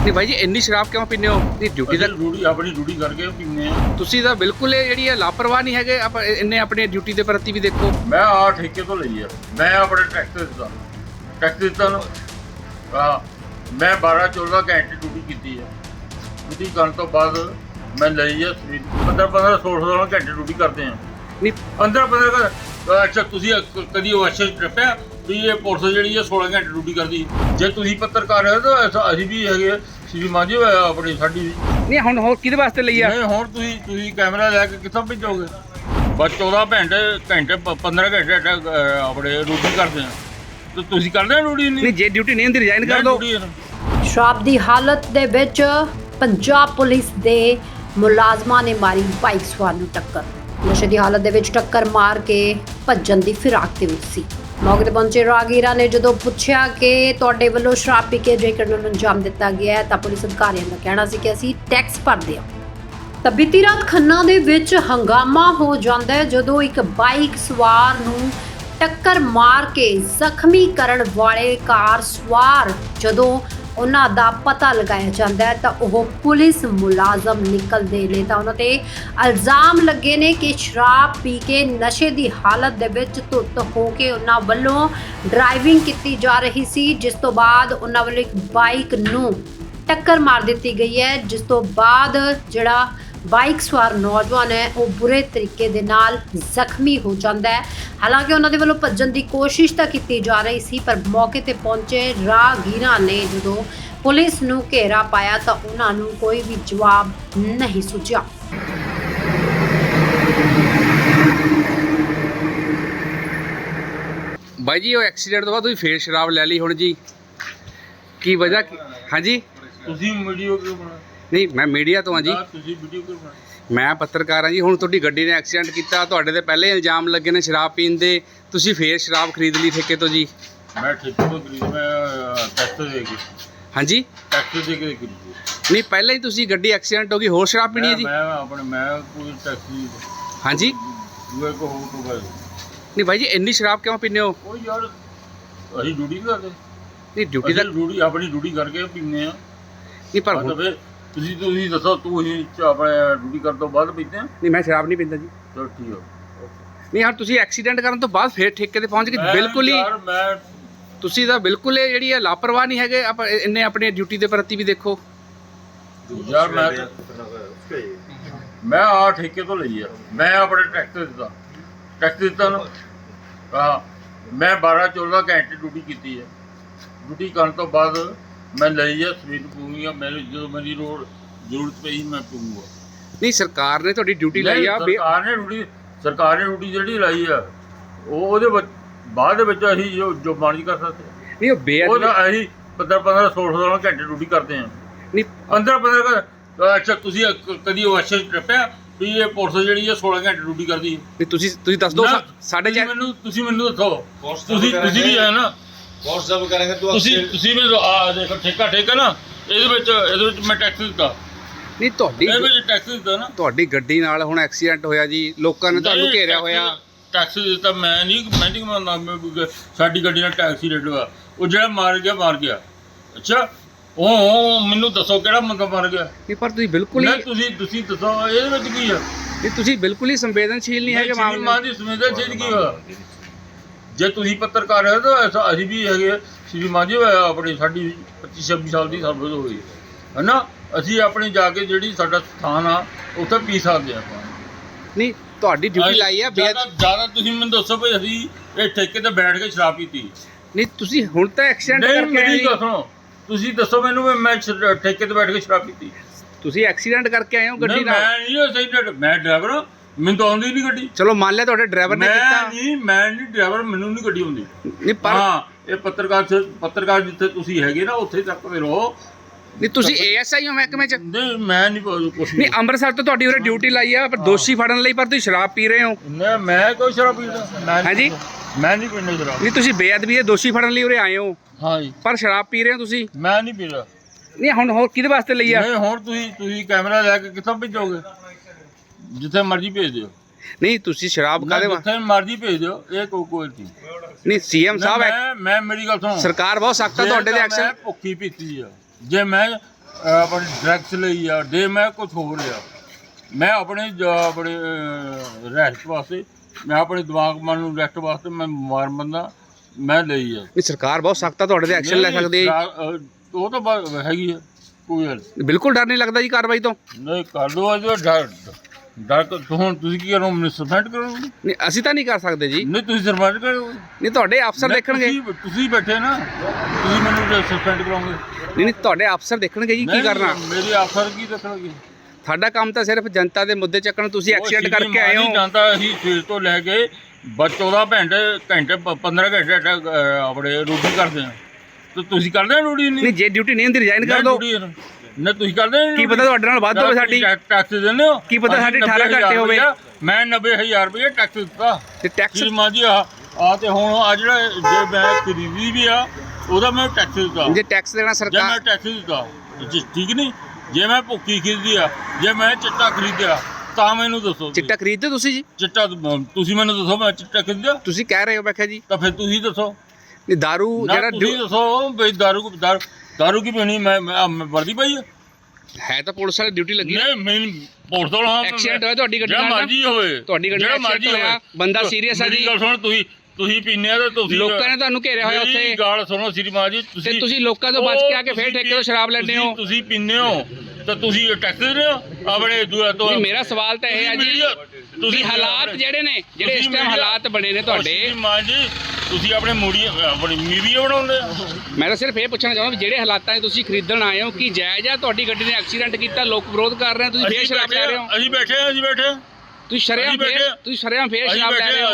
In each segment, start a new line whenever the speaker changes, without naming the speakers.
नहीं भाई जी इन्नी शराब क्यों पीने हो? नहीं ड्यूटी ਦਾ
ਆਪਣੀ ਡਿਊਟੀ ਕਰਕੇ ਪੀਂਦੇ ਆ।
ਤੁਸੀਂ ਤਾਂ ਬਿਲਕੁਲ ਇਹ ਜਿਹੜੀ ਹੈ ਲਾਪਰਵਾਹ ਨਹੀਂ ਹੈਗੇ। ਇੰਨੇ ਆਪਣੇ ਡਿਊਟੀ ਦੇ ਪ੍ਰਤੀ ਵੀ ਦੇਖੋ।
ਮੈਂ ਆ ਠੇਕੇ ਤੋਂ ਲਈ ਆ, ਮੈਂ ਆਪਣੇ ਟੈਕਸ ਦਿੱਤਾ ਨੂੰ ਮੈਂ 12-14 ਘੰਟੇ ਡਿਊਟੀ ਕੀਤੀ ਆ। ਡਿਊਟੀ ਕਰਨ ਤੋਂ ਬਾਅਦ ਮੈਂ ਲਈ ਆ 15-16 ਘੰਟੇ ਡਿਊਟੀ ਕਰਦੇ ਆ।
ਨਹੀਂ
15 ਅੱਛਾ ਤੁਸੀਂ ਕਦੀ ਉਹ ਅੱਛਾ ਟੱਪਿਆ ਵੀ ਇਹ ਪੁਲਿਸ ਜਿਹੜੀ ਆ 16 ਘੰਟੇ ਡਿਊਟੀ ਕਰਦੀ। ਜੇ ਤੁਸੀਂ ਪੱਤਰਕਾਰ ਹੋ ਤਾਂ ਅਸੀਂ ਵੀ ਹੈਗੇ ਸ਼੍ਰੀ ਮਾਝੀ ਆਪਣੀ ਸਾਡੀ ਵੀ
ਨਹੀਂ ਹੁਣ ਹੋਰ ਕਿਹਦੇ ਵਾਸਤੇ ਲਈ ਆ?
ਨਹੀਂ ਹੁਣ ਤੁਸੀਂ ਕੈਮਰਾ ਲੈ ਕੇ ਕਿੱਥੋਂ ਭੇਜੋਗੇ? ਬਸ 14 ਘੰਟੇ 15 ਘੰਟੇ ਆਪਣੇ ਡਿਊਟੀ ਕਰਦੇ ਆ ਤੇ ਤੁਸੀਂ ਕਰਦੇ ਡਿਊਟੀ
ਨਹੀਂ ਜੇ ਡਿਊਟੀ ਨਹੀਂ ਹੁੰਦੀ ਰਿਜ਼ਾਈਨ ਕਰ ਦਿਓ।
ਸ਼ਰਾਬ ਦੀ ਹਾਲਤ ਦੇ ਵਿੱਚ ਪੰਜਾਬ ਪੁਲਿਸ ਦੇ ਮੁਲਾਜ਼ਮਾਂ ਨੇ ਮਾਰੀ ਬਾਈਕ ਸਵਾਰ ਨੂੰ ਟੱਕਰ। ਨਸ਼ੇ ਦੀ ਹਾਲਤ ਦੇ ਵਿੱਚ ਟੱਕਰ ਮਾਰ ਕੇ ਭੱਜਣ ਦੀ ਫਿਰਾਕ ਦੇ ਵਿੱਚ ਸੀ। ਮੌਕੇ ਤੇ ਪਹੁੰਚੇ ਰਾਹਗੀਰਾਂ ਨੇ ਜਦੋਂ ਪੁੱਛਿਆ ਕਿ ਤੁਹਾਡੇ ਵੱਲੋਂ ਸ਼ਰਾਬ ਪੀ ਕੇ ਜੇਕਰ ਨੂੰ ਅੰਜਾਮ ਦਿੱਤਾ ਗਿਆ ਹੈ ਤਾਂ ਪੁਲਿਸ ਅਧਿਕਾਰੀਆਂ ਦਾ ਕਹਿਣਾ ਸੀ ਕਿ ਅਸੀਂ ਟੈਕਸ ਭਰਦੇ ਹਾਂ। ਤਾਂ ਬੀਤੀ ਰਾਤ ਖੰਨਾ ਦੇ ਵਿੱਚ ਹੰਗਾਮਾ ਹੋ ਜਾਂਦਾ ਹੈ ਜਦੋਂ ਇੱਕ ਬਾਈਕ ਸਵਾਰ ਨੂੰ ਟੱਕਰ ਮਾਰ ਕੇ ਜ਼ਖਮੀ ਕਰਨ ਵਾਲੇ ਕਾਰ ਸਵਾਰ ਜਦੋਂ ਉਹਨਾਂ ਦਾ ਪਤਾ ਲਗਾਇਆ ਜਾਂਦਾ ਹੈ ਤਾਂ ਉਹ ਪੁਲਿਸ ਮੁਲਾਜ਼ਮ ਨਿਕਲਦੇ ਨੇ ਤਾਂ ਉਹਨਾਂ ਤੇ ਇਲਜ਼ਾਮ ਲੱਗੇ ਨੇ ਕਿ ਸ਼ਰਾਬ ਪੀ ਕੇ ਨਸ਼ੇ ਦੀ ਹਾਲਤ ਦੇ ਵਿੱਚ ਧੁੱਤ ਹੋ ਕੇ ਉਹਨਾਂ ਵੱਲੋਂ ਡਰਾਈਵਿੰਗ ਕੀਤੀ ਜਾ ਰਹੀ ਸੀ, ਜਿਸ ਤੋਂ ਬਾਅਦ ਉਹਨਾਂ ਵੱਲੋਂ ਇੱਕ ਬਾਈਕ ਨੂੰ ਟੱਕਰ ਮਾਰ ਦਿੱਤੀ ਗਈ ਹੈ, ਜਿਸ ਤੋਂ ਬਾਅਦ ਜਿਹੜਾ ਬਾਈਕ ਸਵਾਰ ਨੌਜਵਾਨ ਹੈ ਉਹ ਬੁਰੇ ਤਰੀਕੇ ਦੇ ਨਾਲ ਜ਼ਖਮੀ ਹੋ ਜਾਂਦਾ ਹੈ। ਹਾਲਾਂਕਿ ਉਹਨਾਂ ਦੇ ਵੱਲੋਂ ਭੱਜਣ ਦੀ ਕੋਸ਼ਿਸ਼ ਤਾਂ ਕੀਤੀ ਜਾ ਰਹੀ ਸੀ, ਪਰ ਮੌਕੇ ਤੇ ਪਹੁੰਚੇ ਰਾਹਗੀਰਾਂ ਨੇ ਜਦੋਂ ਪੁਲਿਸ ਨੂੰ ਘੇਰਾ ਪਾਇਆ ਤਾਂ ਉਹਨਾਂ ਨੂੰ ਕੋਈ ਵੀ ਜਵਾਬ ਨਹੀਂ ਸੁਝਿਆ।
ਬਾਈ ਜੀ ਉਹ ਐਕਸੀਡੈਂਟ ਤੋਂ ਬਾਅਦ ਤੁਸੀਂ ਫੇਰ ਸ਼ਰਾਬ ਲੈ ਲਈ ਹੁਣ ਜੀ, ਕੀ ਵਜ੍ਹਾ? ਹਾਂਜੀ
ਤੁਸੀਂ ਵੀਡੀਓ ਕਿਉਂ ਬਣਾ?
ਨਹੀਂ ਮੈਂ ਮੀਡੀਆ ਤੋਂ ਹਾਂ ਜੀ।
ਤੁਸੀਂ ਵੀਡੀਓ ਕਿਉਂ ਬਣਾ?
ਮੈਂ ਪੱਤਰਕਾਰ ਹਾਂ ਜੀ। ਹੁਣ ਤੁਹਾਡੀ ਗੱਡੀ ਨੇ ਐਕਸੀਡੈਂਟ ਕੀਤਾ, ਤੁਹਾਡੇ ਤੇ ਪਹਿਲੇ ਇਲਜ਼ਾਮ ਲੱਗੇ ਨੇ ਸ਼ਰਾਬ ਪੀਣ ਦੇ, ਤੁਸੀਂ ਫੇਰ ਸ਼ਰਾਬ ਖਰੀਦ ਲਈ ਠੇਕੇ ਤੋਂ ਜੀ।
ਮੈਂ ਠੇਕੇ ਤੋਂ ਖਰੀਦ ਮੈਂ ਟੈਕਸ ਦੇ ਕੇ
ਹਾਂਜੀ
ਟੈਕਸ ਦੇ ਕੇ ਖਰੀਦੀ।
ਨਹੀਂ ਪਹਿਲਾਂ ਹੀ ਤੁਸੀਂ ਗੱਡੀ ਐਕਸੀਡੈਂਟ ਹੋ ਗਈ, ਹੋਰ ਸ਼ਰਾਬ ਪੀਣੀ ਹੈ ਜੀ?
ਮੈਂ ਕੋਈ ਟੈਕਸੀ
ਹਾਂਜੀ
ਦੂਏ ਕੋ ਹੋ ਤੋਂ ਬਾਅਦ
ਨਹੀਂ ਭਾਈ ਜੀ ਇੰਨੀ ਸ਼ਰਾਬ ਕਿਉਂ ਪੀਂਦੇ ਹੋ?
ਉਹ ਯਾਰ ਅਸੀਂ ਡਿਊਟੀ ਕਰਦੇ।
ਨਹੀਂ ਡਿਊਟੀ ਦਾ
ਡਿਊਟੀ ਆਪਣੀ ਡਿਊਟੀ ਕਰਕੇ ਪੀਂਦੇ ਆ।
ਨਹੀਂ ਪਰ
ਤਾਂ ਫਿਰ ਤੁਸੀਂ ਦੱਸੋ ਤੁਸੀਂ ਆਪਣੇ ਡਿਊਟੀ ਕਰਨ ਤੋਂ ਬਾਅਦ ਪੀਂਦੇ ਆ?
ਨਹੀਂ ਮੈਂ ਸ਼ਰਾਬ ਨਹੀਂ ਪੀਂਦਾ ਜੀ।
ਚਲੋ ਠੀਕ ਆ।
ਨਹੀਂ ਯਾਰ ਤੁਸੀਂ ਐਕਸੀਡੈਂਟ ਕਰਨ ਤੋਂ ਬਾਅਦ ਫੇਰ ਠੇਕੇ ਤੇ ਪਹੁੰਚ ਗਏ, ਬਿਲਕੁਲ ਹੀ
ਮੈਂ
ਤੁਸੀਂ ਤਾਂ ਬਿਲਕੁਲ ਇਹ ਜਿਹੜੀ ਹੈ ਲਾਪਰਵਾਹ ਨਹੀਂ ਹੈਗੇ। ਇੰਨੇ ਆਪਣੇ ਡਿਊਟੀ ਦੇ ਪ੍ਰਤੀ ਵੀ ਦੇਖੋ।
ਯਾਰ ਮੈਂ ਆ ਠੇਕੇ ਤੋਂ ਲਈ ਆ, ਮੈਂ ਆਪਣੇ ਟੈਕਸ ਦਿੱਤਾ ਨੂੰ ਮੈਂ 12-14 ਘੰਟੇ ਡਿਊਟੀ ਕੀਤੀ ਹੈ। ਡਿਊਟੀ ਕਰਨ ਤੋਂ ਬਾਅਦ ਮੈਂ ਲਈ ਆ ਸਵੇਰ ਪੂਰੀ ਆ। ਮੇਰੇ ਜਦੋਂ ਮੇਰੀ ਜ਼ਰੂਰਤ ਪਈ ਮੈਂ ਪੂੰਗਾ।
ਨਹੀਂ ਸਰਕਾਰ ਨੇ ਤੁਹਾਡੀ ਡਿਊਟੀ ਲਾਈ ਆ।
ਸਰਕਾਰ ਨੇ ਡਿਊਟੀ ਜਿਹੜੀ ਲਾਈ ਆ ਉਹਦੇ ਬਾਅਦ ਦੇ ਵਿੱਚ ਅਸੀਂ ਜੋ ਮਰਜ਼ੀ ਕਰ ਸਕਦੇ।
ਨਹੀਂ ਉਹ ਬੇਅਦਬੀ
ਅਸੀਂ 15-16 ਘੰਟੇ ਡਿਊਟੀ ਕਰਦੇ ਹਾਂ।
ਨਹੀਂ
15 ਅੱਛਾ ਤੁਸੀਂ ਕਦੀ ਉਹ ਅੱਛਾ ਟੱਪਿਆ ਵੀ ਇਹ ਪੁਲਿਸ ਜਿਹੜੀ ਆ 16 ਘੰਟੇ ਡਿਊਟੀ ਕਰਦੀ ਹੈ।
ਨਹੀਂ ਤੁਸੀਂ ਦੱਸ ਦਿਓ ਸਾਡੇ
ਤੁਸੀਂ ਮੈਨੂੰ ਦੱਸੋ। ਤੁਸੀਂ ਵੀ ਹੈ ਨਾ
WhatsApp ਕਰਾਂਗੇ
ਤੁਸੀਂ ਮੈਨੂੰ ਆ ਦੇਖੋ ਠੇਕਾ ਨਾ ਇਹਦੇ ਵਿੱਚ ਮੈਂ ਟੈਕਸ ਦਿੱਤਾ।
ਨਹੀਂ
ਇਹਦੇ ਵਿੱਚ ਟੈਕਸ ਦਿੱਤਾ ਨਾ।
ਤੁਹਾਡੀ ਗੱਡੀ ਨਾਲ ਹੁਣ ਐਕਸੀਡੈਂਟ ਹੋਇਆ ਜੀ, ਲੋਕਾਂ ਨੇ ਤੁਹਾਨੂੰ ਘੇਰਿਆ ਹੋਇਆ।
ਟੈਕਸ ਦਿੱਤਾ ਮੈਂ ਨਹੀਂ ਮੰਨਦਾ। ਸਾਡੀ ਗੱਡੀ ਨਾਲ ਟੈਕਸੀ ਰੇਟ ਹੋਇਆ, ਉਹ ਜਿਹੜਾ ਮਾਰ ਗਿਆ। ਅੱਛਾ ਉਹ ਮੈਨੂੰ ਦੱਸੋ ਕਿਹੜਾ ਬੰਦਾ ਮਰ ਗਿਆ?
ਨਹੀਂ ਪਰ ਤੁਸੀਂ ਬਿਲਕੁਲ ਹੀ
ਤੁਸੀਂ ਦੱਸੋ ਇਹਦੇ ਵਿੱਚ ਕੀ ਆ?
ਨਹੀਂ ਤੁਸੀਂ ਬਿਲਕੁਲ ਹੀ ਸੰਵੇਦਨਸ਼ੀਲ ਨਹੀਂ ਹੈਗੇ ਮਾਮਲੇ।
ਸੰਵੇਦਨਸ਼ੀਲ ਕੀ ਹੋਇਆ? ਜੇ ਤੁਸੀਂ ਪੱਤਰਕਾਰ ਹੋ ਤਾਂ ਅਸੀਂ ਵੀ ਹੈਗੇ ਸ਼੍ਰੀ ਮਾਝੀ ਆਪਣੀ ਸਾਡੀ 25-26 ਸਾਲ ਦੀ ਸਰਵਿਸ ਹੋ ਗਈ ਹੈ ਨਾ। ਅਸੀਂ ਆਪਣੀ ਜਾ ਕੇ ਜਿਹੜੀ ਸਾਡਾ ਸਥਾਨ ਆ ਉੱਥੇ ਪੀ ਸਕਦੇ ਆਪਾਂ। ਨਹੀਂ
ਤੁਹਾਡੀ ਡਿਊਟੀ ਲਾਈ ਆ।
ਜ਼ਿਆਦਾ ਤੁਸੀਂ ਮੈਨੂੰ ਦੱਸੋ ਵੀ ਅਸੀਂ ਇਹ ਠੇਕੇ ਤੇ ਬੈਠ ਕੇ ਸ਼ਰਾਬ ਪੀਤੀ?
ਨਹੀਂ ਤੁਸੀਂ ਹੁਣ ਤਾਂ ਐਕਸੀਡੈਂਟ ਕਰਕੇ
ਮੇਰੀ ਗੱਲ ਸੁਣੋ। ਤੁਸੀਂ ਦੱਸੋ ਮੈਨੂੰ ਮੈਂ ਠੇਕੇ ਤੇ ਬੈਠ ਕੇ ਸ਼ਰਾਬ ਪੀਤੀ?
ਤੁਸੀਂ ਐਕਸੀਡੈਂਟ ਕਰਕੇ ਆਏ ਹੋ ਗੱਡੀ ਨਾਲ।
ਮੈਂ ਡਰਾਈਵਰ ਹਾਂ, ਮੈਨੂੰ ਤਾਂ ਆਉਂਦੀ ਨਹੀਂ ਗੱਡੀ।
ਚਲੋ ਮੰਨ ਲਿਆ ਤੁਹਾਡੇ ਡਰਾਈਵਰ ਨੇ ਕੀਤਾ।
ਮੈਂ ਨਹੀਂ ਡਰਾਈਵਰ, ਮੈਨੂੰ ਨਹੀਂ ਗੱਡੀ ਆਉਂਦੀ।
ਨਹੀਂ ਪਰ
ਹਾਂ ਇਹ ਪੱਤਰਕਾਰ ਜਿੱਥੇ ਤੁਸੀਂ ਹੈਗੇ ਨਾ ਉੱਥੇ ਤੱਕ ਦੇ ਰਹੋ।
ਨਹੀਂ ਤੁਸੀਂ ASI ਹੋ ਮਹਿਕਮੇ ਚ?
ਨਹੀਂ ਮੈਂ ਨਹੀਂ ਕੁਛ
ਨਹੀਂ ਅੰਮ੍ਰਿਤਸਰ ਤੋਂ ਤੁਹਾਡੀ ਉਰੇ ਡਿਊਟੀ ਲਾਈ ਆ, ਪਰ ਦੋਸ਼ੀ ਫੜਨ ਲਈ, ਪਰ ਤੁਸੀਂ ਸ਼ਰਾਬ ਪੀ ਰਹੇ ਹੋ।
ਮੈਂ ਕੋਈ ਸ਼ਰਾਬ ਪੀਂਦਾ?
ਹਾਂਜੀ
ਮੈਂ ਨਹੀਂ ਪੀਂਦਾ ਸ਼ਰਾਬ।
ਨਹੀਂ ਤੁਸੀਂ ਬੇਅਦਬੀ ਦੇ ਦੋਸ਼ੀ ਫੜਨ ਲਈ ਉਰੇ ਆਏ ਹੋ,
ਹਾਂ ਜੀ,
ਪਰ ਸ਼ਰਾਬ ਪੀ ਰਹੇ ਹੋ ਤੁਸੀਂ।
ਮੈਂ ਨਹੀਂ ਪੀਂਦਾ।
ਨਹੀਂ ਹੁਣ ਹੋਰ ਕਿਹਦੇ ਵਾਸਤੇ ਲਈ ਆ?
ਨਹੀਂ ਹੁਣ ਤੁਸੀਂ ਕੈਮਰਾ ਲੈ ਕੇ ਕਿੱਥੋਂ ਭੇਜੋਗੇ? ਜਿੱਥੇ ਮਰਜ਼ੀ ਭੇਜ ਦਿਓ।
ਨਹੀਂ ਤੁਸੀਂ ਸ਼ਰਾਬ ਕਾਹਦੇ
ਜਿੱਥੇ ਮਰਜ਼ੀ ਭੇਜ ਦਿਓ। ਇਹ ਕੋਈ ਚੀਜ਼
ਨਹੀਂ। CM ਸਾਹਿਬ
ਮੈਂ ਮੇਰੀ ਗੱਲ ਸੁਣੋ।
ਸਰਕਾਰ ਬਹੁਤ ਸਖਤ ਆ ਤੁਹਾਡੇ ਦੇ ਐਕਸ਼ਨ।
ਮੈਂ ਭੁੱਖੀ ਪੀਤੀ ਆ। ਜੇ ਮੈਂ ਆਪਣੀ ਡਰੱਗਸ ਲਈ ਆ ਦੇ ਮੈਂ ਕੁਝ ਹੋਰ ਲਿਆ। ਮੈਂ ਆਪਣੇ ਰੈਸਟ ਵਾਸਤੇ, ਮੈਂ ਆਪਣੇ ਦਿਮਾਗ ਮਨ ਨੂੰ ਰੈਸਟ ਵਾਸਤੇ ਮੈਂ ਬਿਮਾਰ ਬੰਦਾ, ਮੈਂ ਲਈ ਆ।
ਨਹੀਂ ਸਰਕਾਰ ਬਹੁਤ ਸਖਤ ਆ, ਤੁਹਾਡੇ ਤੇ ਐਕਸ਼ਨ ਲੈ ਸਕਦੀ ਹੈ।
ਉਹ ਤਾਂ ਹੈਗੀ ਆ, ਕੋਈ ਗੱਲ
ਬਿਲਕੁਲ ਡਰ ਨਹੀਂ ਲੱਗਦਾ ਜੀ ਕਾਰਵਾਈ ਤੋਂ?
ਨਹੀਂ। ਕਰ ਲਓ ਅੱਜ ਡਰ ਹੁਣ ਤੁਸੀਂ ਕੀ ਕਰੋ, ਮੈਨੂੰ ਸਸਪੈਂਡ ਕਰੋਗੇ?
ਨਹੀਂ ਅਸੀਂ ਤਾਂ ਨਹੀਂ ਕਰ ਸਕਦੇ ਜੀ।
ਨਹੀਂ ਤੁਸੀਂ ਸਸਪੈਂਡ ਕਰੋਗੇ?
ਨਹੀਂ ਤੁਹਾਡੇ ਅਫਸਰ ਦੇਖਣਗੇ।
ਤੁਸੀਂ ਬੈਠੇ ਨਾ, ਤੁਸੀਂ ਮੈਨੂੰ ਸਸਪੈਂਡ ਕਰੋਗੇ?
ਨਹੀਂ ਤੁਹਾਡੇ ਅਫਸਰ ਦੇਖਣਗੇ ਜੀ ਕੀ ਕਰਨਾ।
ਮੇਰੇ ਅਫਸਰ ਕੀ ਦੇਖਣਗੇ?
ਸਾਡਾ ਕੰਮ ਤਾਂ ਸਿਰਫ ਜਨਤਾ ਦੇ ਮੁੱਦੇ ਚੱਕਣ। ਤੁਸੀਂ ਐਕਸੀਡੈਂਟ ਕਰਕੇ ਆਏ ਹੋ।
ਜਾਂਦਾ ਅਸੀਂ ਸਵੇਰ ਤੋਂ ਲੈ ਕੇ 14 ਘੰਟੇ 15 ਘੰਟੇ ਆਪਣੇ ਡਿਊਟੀ ਕਰਦੇ ਆ, ਤੇ ਤੁਸੀਂ ਕਰਦੇ ਡਿਊਟੀ?
ਨਹੀਂ ਜੇ ਡਿਊਟੀ ਨਹੀਂ ਹੁੰਦੀ ਰਿਜ਼ਾਈਨ ਕਰ ਦਿਓ।
ਨਾ ਤੁਸੀਂ ਕਰਦੇ
ਕੀ ਪਤਾ ਤੁਹਾਡੇ ਨਾਲ ਵੱਧ ਹੋਵੇ ਸਾਡੀ।
ਟੈਕਸ ਦਿੰਦੇ ਹੋ?
ਕੀ ਪਤਾ ਸਾਡੀ 18 ਘੰਟੇ ਹੋਵੇ।
ਮੈਂ 90,000 ਰੁਪਏ ਟੈਕਸ ਦਿੱਤਾ
ਤੇ ਟੈਕਸ
ਸ਼੍ਰੀਮਾਨ ਜੀ। ਆ ਤੇ ਹੁਣ ਆ ਜਿਹੜਾ ਜੇ ਮੈਂ ਖਰੀਦੀ ਵੀ ਆ ਉਹਦਾ ਮੈਂ ਟੈਕਸ ਦਿੱਤਾ।
ਜੇ ਟੈਕਸ ਦੇਣਾ
ਜੇ
ਸਰਕਾਰ।
ਮੈਂ ਟੈਕਸ ਦਿੱਤਾ ਠੀਕ ਨਹੀਂ। ਜੇ ਮੈਂ ਭੁੱਕੀ ਖਰੀਦੀ ਆ, ਜੇ ਮੈਂ ਚਿੱਟਾ ਖਰੀਦਿਆ ਤਾਂ ਮੈਨੂੰ ਦੱਸੋ।
ਚਿੱਟਾ ਖਰੀਦਦੇ ਤੁਸੀਂ ਜੀ?
ਚਿੱਟਾ ਤੁਸੀਂ ਮੈਨੂੰ ਦੱਸੋ, ਮੈਂ ਚਿੱਟਾ ਖਰੀਦਿਆ?
ਤੁਸੀਂ ਕਹਿ ਰਹੇ ਹੋ ਮੈਂ ਕਿਹਾ ਜੀ।
ਤਾਂ ਫਿਰ ਤੁਸੀਂ ਦੱਸੋ।
ਨਹੀਂ ਦਾਰੂ ਜਿਹੜਾ
ਤੁਸੀਂ ਦੱਸੋ ਬਈ ਦਾਰੂ ਕੀ ਪੀਣੀ? ਮੈਂ ਵਰਦੀ ਪਾਈ
ਹੈ ਤਾਂ ਪੁਲਿਸ ਵਾਲੀ ਡਿਊਟੀ ਲੱਗੀ।
ਨਹੀਂ ਮੈਨੂੰ ਪੁਲਿਸ ਤੋਂ
ਐਕਸੀਡੈਂਟ ਹੋਇਆ ਤੁਹਾਡੀ ਗੱਡੀ
ਜਿਹੜਾ
ਨਾਲ।
ਮਰਜ਼ੀ ਹੋਵੇ,
ਤੁਹਾਡੀ ਗੱਡੀ ਨਾਲ ਐਕਸੀਡੈਂਟ ਹੋਇਆ, ਬੰਦਾ ਸੀਰੀਅਸ ਆ ਜੀ।
ਮੇਰੀ ਗੱਲ ਸੁਣ, ਤੁਸੀਂ ਪੀਨੇ ਆ ਤੇ ਤੁਸੀਂ
ਲੋਕਾਂ ਨੇ ਤੁਹਾਨੂੰ ਘੇਰਿਆ ਹੋਇਆ ਉੱਥੇ।
ਮੇਰੀ ਗੱਲ ਸੁਣੋ ਸ਼੍ਰੀਮਾਨ ਜੀ,
ਤੇ ਤੁਸੀਂ ਲੋਕਾਂ ਤੋਂ ਬਚ ਕੇ ਆ ਕੇ ਫੇਰ ਠੇਕੇ ਤੋਂ ਸ਼ਰਾਬ ਲੈਂਦੇ ਹੋ।
ਤੁਸੀਂ ਪੀਨੇ ਹੋ ਤਾਂ ਤੁਸੀਂ ਟੈਕਸ ਦੇ ਰਹੇ ਹੋ ਆਪਣੇ ਤੋਂ।
ਨਹੀਂ ਮੇਰਾ ਸਵਾਲ ਤਾਂ ਇਹ ਹੈ ਜੀ, ਤੁਸੀਂ ਹਾਲਾਤ ਜਿਹੜੇ ਨੇ, ਜਿਹੜੇ ਇਸ ਟਾਈਮ ਹਾਲਾਤ ਬਣੇ ਨੇ ਤੁਹਾਡੇ।
ਸ਼੍ਰੀਮਾਨ ਜੀ ਤੁਸੀਂ ਆਪਣੇ ਆਪਣੀ ਮੀਡੀਆ ਬਣਾਉਂਦੇ ਆ।
ਮੈਂ ਤਾਂ ਸਿਰਫ ਇਹ ਪੁੱਛਣਾ ਚਾਹੁੰਦਾ ਵੀ ਜਿਹੜੇ ਹਾਲਾਤਾਂ 'ਚ ਤੁਸੀਂ ਖਰੀਦਣ ਆਏ ਹੋ, ਕੀ ਜਾਇਜ਼ ਆ? ਤੁਹਾਡੀ ਗੱਡੀ ਨੇ ਐਕਸੀਡੈਂਟ ਕੀਤਾ, ਲੋਕ ਵਿਰੋਧ ਕਰ ਰਹੇ ਆ, ਤੁਸੀਂ ਫੇਰ ਸ਼ਰਾਬ ਲੈ ਰਹੇ ਹੋ।
ਅਸੀਂ ਬੈਠੇ
ਤੁਸੀਂ ਸ਼ਰੇਆਮ ਫੇਰ ਸ਼ਰਾਬ ਲੈ ਰਹੇ ਹੋ।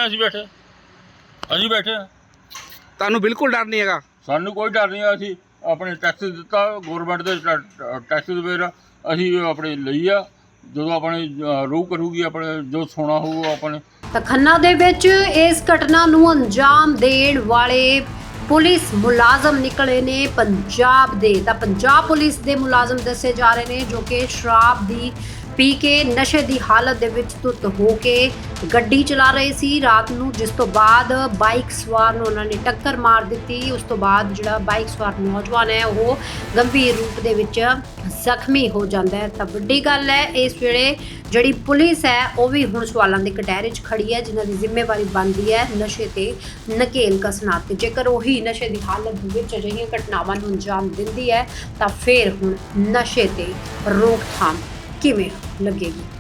ਅਸੀਂ ਬੈਠੇ
ਤੁਹਾਨੂੰ ਬਿਲਕੁਲ ਡਰ ਨਹੀਂ ਹੈਗਾ?
ਸਾਨੂੰ ਕੋਈ ਡਰ ਨਹੀਂ। ਅਸੀਂ ਆਪਣੇ ਟੈਕਸ ਦਿੱਤਾ ਗਵਰਨਮੈਂਟ ਦੇ ਟੈਕਸ ਦੇ ਵੇਰ ਅਸੀਂ ਆਪਣੇ ਲਈ ਆ। ਜਦੋਂ ਆਪਣੇ ਰੂਹ ਕਰੂਗੀ, ਆਪਣੇ ਜੋ ਸੋਨਾ ਹੋਊਗਾ ਆਪਣੇ।
ਤਾਂ ਖੰਨਾ ਦੇ ਵਿੱਚ ਇਸ ਘਟਨਾ ਨੂੰ ਅੰਜਾਮ ਦੇਣ ਵਾਲੇ ਪੁਲਿਸ ਮੁਲਾਜ਼ਮ ਨਿਕਲੇ ਨੇ ਪੰਜਾਬ ਦੇ। ਤਾਂ ਪੰਜਾਬ ਪੁਲਿਸ ਦੇ ਮੁਲਾਜ਼ਮ ਦੱਸੇ ਜਾ ਰਹੇ ਨੇ ਜੋ ਕਿ ਸ਼ਰਾਬ ਦੀ ਪੀ ਕੇ ਨਸ਼ੇ ਦੀ ਹਾਲਤ ਦੇ ਵਿੱਚ ਧੁੱਤ ਹੋ ਕੇ ਗੱਡੀ ਚਲਾ ਰਹੇ ਸੀ ਰਾਤ ਨੂੰ, ਜਿਸ ਤੋਂ ਬਾਅਦ ਬਾਈਕ ਸਵਾਰ ਨੂੰ ਉਹਨਾਂ ਨੇ ਟੱਕਰ ਮਾਰ ਦਿੱਤੀ। ਉਸ ਤੋਂ ਬਾਅਦ ਜਿਹੜਾ ਬਾਈਕ ਸਵਾਰ ਨੌਜਵਾਨ ਹੈ ਉਹ ਗੰਭੀਰ ਰੂਪ ਦੇ ਵਿੱਚ ਜ਼ਖਮੀ ਹੋ ਜਾਂਦਾ ਹੈ। ਤਾਂ ਵੱਡੀ ਗੱਲ ਹੈ, ਇਸ ਵੇਲੇ ਜਿਹੜੀ ਪੁਲਿਸ ਹੈ ਉਹ ਵੀ ਹੁਣ ਸਵਾਲਾਂ ਦੇ ਕਟਹਿਰੇ 'ਚ ਖੜੀ ਹੈ, ਜਿਨ੍ਹਾਂ ਦੀ ਜ਼ਿੰਮੇਵਾਰੀ ਬਣਦੀ ਹੈ ਨਸ਼ੇ ਤੇ ਨਕੇਲ ਕੱਸਣਾ। ਤੇ ਜੇਕਰ ਉਹੀ ਨਸ਼ੇ ਦੀ ਹਾਲਤ ਦੇ ਵਿੱਚ ਅਜਿਹੀਆਂ ਘਟਨਾਵਾਂ ਨੂੰ ਅੰਜਾਮ ਦਿੰਦੀ ਹੈ ਤਾਂ ਫਿਰ ਹੁਣ ਨਸ਼ੇ ਤੇ ਰੋਕਥਾਮ ਕਿਵੇਂ ਲੱਗੇਗੀ?